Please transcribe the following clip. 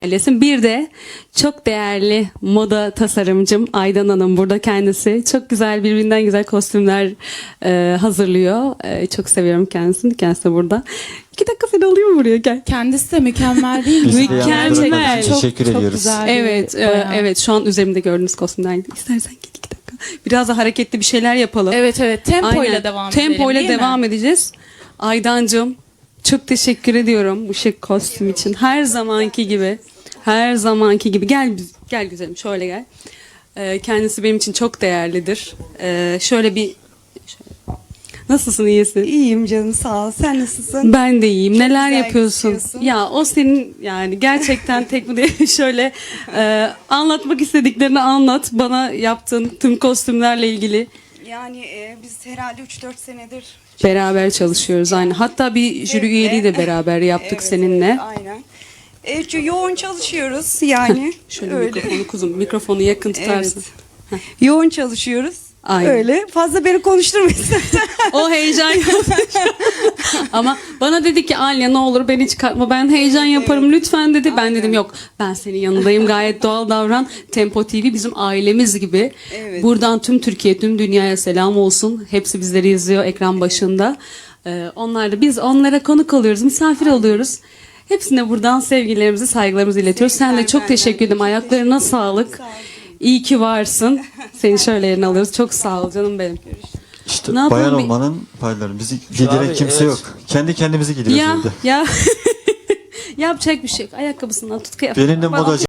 Öylesin. Bir de çok değerli moda tasarımcım Aydan Hanım burada kendisi. Çok güzel, birbirinden güzel kostümler hazırlıyor. Çok seviyorum kendisini. Kendisi de burada. 2 dakika seni alayım buraya, gel. Kendisi de mükemmel değil mi? Biz de mükemmel. Teşekkür ediyoruz. Güzel bir Evet, bayan. evet. Şu an üzerimde gördüğünüz kostümden. İstersen gel 2 dakika. Biraz da hareketli bir şeyler yapalım. Evet, tempoyla Aynen. devam edelim. Tempoyla değil mi? devam edeceğiz. Aydancığım, çok teşekkür ediyorum bu şık kostüm için. Her zamanki gibi. Her zamanki gibi. Gel güzelim, şöyle gel. Kendisi benim için çok değerlidir. Nasılsın, iyisin? İyiyim canım, sağ ol. Sen nasılsın? Ben de iyiyim. Neler güzel yapıyorsun? gözüküyorsun. Ya o senin, yani gerçekten tek bu değil. Şöyle anlatmak istediklerini anlat. Bana yaptığın tüm kostümlerle ilgili. Yani biz herhalde 3-4 senedir Beraber çalışıyoruz aynı. Hatta bir jüri üyeliği de beraber yaptık Evet, seninle. evet, aynen. Yoğun çalışıyoruz yani. Şöyle öyle. mikrofonu kuzum, mikrofonu yakın tutarsın. Evet. Yoğun çalışıyoruz. Aynen. Öyle. Fazla beni konuşturmayın. O heyecan yapmış. Ama bana dedi ki Alya ne olur beni çıkartma, ben heyecan yaparım lütfen dedi. Ben dedim yok, ben senin yanındayım, gayet doğal davran. Tempo TV bizim ailemiz gibi. Evet. Buradan tüm Türkiye, tüm dünyaya selam olsun. Hepsi bizleri izliyor ekran başında. Biz onlara konuk oluyoruz, misafir oluyoruz. Hepsine buradan sevgilerimizi, saygılarımızı iletiyoruz. Sen de Sevgiler çok benden. teşekkür ederim. Çok Ayaklarına teşekkür sağlık. ederim. Sağ ol. İyi ki varsın. Seni şöyle yerine alıyoruz. Çok sağ ol canım benim. İşte Ne yapalım bayan bir- olmanın payları. Bizi giydiren Abi, kimse evet. yok. Kendi kendimizi giydiriyoruz Ya evde. ya yapacak bir şey yok. Ayakkabısından tut, kıyafet. Benim de Bana- modacı